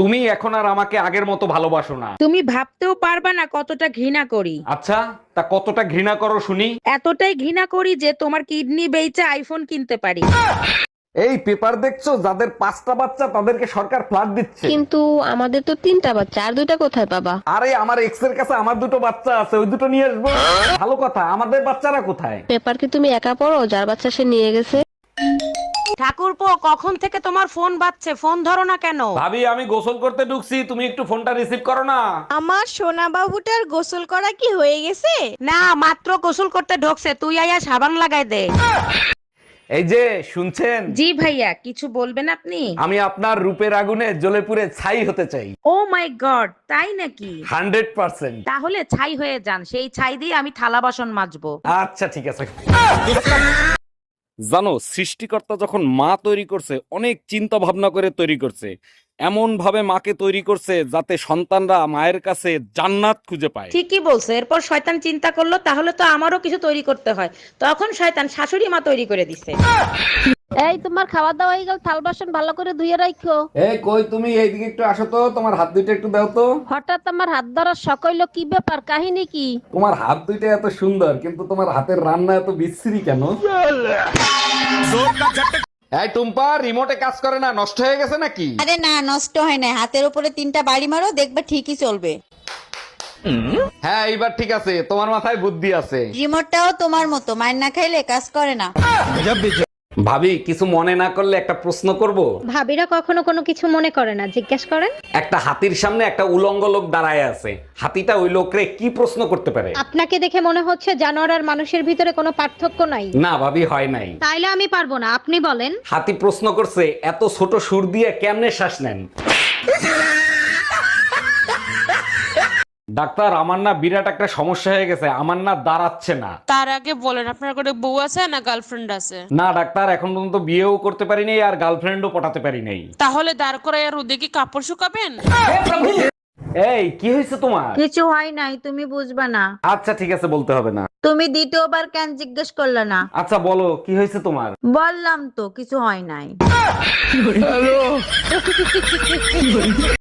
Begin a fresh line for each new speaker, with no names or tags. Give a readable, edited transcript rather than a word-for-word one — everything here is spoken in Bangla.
তুমি এখন আর আমাকে আগের মতো ভালোবাসো না।
তুমি ভাবতেও পারবা না কতটা ঘৃণা করি।
আচ্ছা, তা কতটা ঘৃণা করো শুনি।
এতটাই ঘৃণা করি যে তোমার কিডনি বেচে আইফোন কিনতে পারি।
এই পেপার দেখছো, যাদের 5টা বাচ্চা তাদেরকে সরকার ফ্ল্যাট দিচ্ছে।
কিন্তু আমাদের তো 3টা বাচ্চা, আর 2টা কোথায় পাবা?
আরে আমার এক্স এর কাছে আমার 2টো বাচ্চা আছে, ওই 2টো নিয়ে আসবো। ভালো কথা, আমাদের বাচ্চারা কোথায়?
পেপার কি তুমি একা পড়ো? যার বাচ্চা সে নিয়ে গেছে।
ঠাকুরপো, কখন থেকে তোমার ফোন বাজছে, ফোন ধরো না কেন?
ভাবি, আমি গোসল করতে ঢুকছি, তুমি একটু ফোনটা রিসিভ করো না।
আমার সোনা বাবুটার গোসল করা কি হয়ে গেছে?
না, মাত্র গোসল করতে ঢোকছে, তুই আয়া সাবান লাগাই দে।
এই যে শুনছেন,
জি ভাইয়া, কিছু বলবেন আপনি?
আমি আপনার রূপের আগুনে জ্বলে পুড়ে ছাই হতে চাই।
ও মাই গড, তাই নাকি?
100%।
তাহলে ছাই হয়ে যান, সেই ছাই দিয়ে আমি থালা বাসন মাজবো।
আচ্ছা ঠিক আছে। জানো, সৃষ্টিকর্তা যখন মা তৈরি করছে অনেক চিন্তা ভাবনা করে তৈরি করছে। এমন ভাবে মাকে তৈরি করছে যাতে সন্তানরা মায়ের কাছে জান্নাত খুঁজে পায়।
ঠিকই বলছে। এরপর শয়তান চিন্তা করলো তাহলে তো আমারও কিছু তৈরি করতে হয়, তখন শয়তান শাশুড়ি মা তৈরি করে দিছে।
এই তোমার খাওয়া দাওয়া হয়ে গেল, থাল বাসন ভালো করে ধুয়ে রাখো।
এই কই তুমি, এইদিকে একটু আসো তো, তোমার হাত দুইটা একটু দাও তো।
হঠাৎ আমার হাত ধরার শখ হইলো, কি ব্যাপার, কাহিনী কি?
তোমার হাত দুইটা এত সুন্দর, কিন্তু তোমার হাতের রান্না এত বিশ্রী কেন? এই টুম্পা, রিমোটে কাজ করে না, নষ্ট হয়ে গেছে নাকি?
আরে না, নষ্ট হয় না। হাতের উপরে 3টা বাড়ি মারো, দেখবে ঠিকই চলবে।
হ্যাঁ, এইবার ঠিক আছে, তোমার মাথায় বুদ্ধি আছে।
রিমোটটাও তোমার মতো, মার না খাইলে কাজ করে না।
ভাবি, কিছু মনে না করলে একটা প্রশ্ন করব।
ভাবিরা কখনো কোনো কিছু মনে করে না, জিজ্ঞেস করেন।
একটা হাতির সামনে একটা উলঙ্গ লোক দাঁড়ায় আছে, হাতিটা ওই লোকরে কি প্রশ্ন করতে পারে?
আপনাকে দেখে মনে হচ্ছে জানোয়ার আর মানুষের ভিতরে কোনো পার্থক্য নাই।
না ভাবি, হয় নাই।
তাইলে আমি পারবো না, আপনি বলেন।
হাতি প্রশ্ন করছে, এত ছোট সুর দিয়ে কেমনে শ্বাস নেন? ডাক্তার, আমার না বিরাট একটা সমস্যা হয়ে গেছে, আমার না দাঁড়াচ্ছে না।
তার আগে বলেন, আপনার কোনো বউ আছে না গার্লফ্রেন্ড আছে?
না ডাক্তার, এখন পর্যন্ত বিয়েও করতে পারি নাই আর গার্লফ্রেন্ডও পটাতে পারি নাই।
তাহলে দাঁড় করায় আর ওদিকে কাপড় শুকাবেন?
এই কি হয়েছে তোমার?
কিছু হয় নাই, তুমি বুঝবা না।
আচ্ছা ঠিক আছে, বলতে হবে না।
তুমি দ্বিতীয়বার কেন জিজ্ঞেস করলে না?
আচ্ছা বলো, কি হয়েছে তোমার?
বললাম তো কিছু হয় নাই।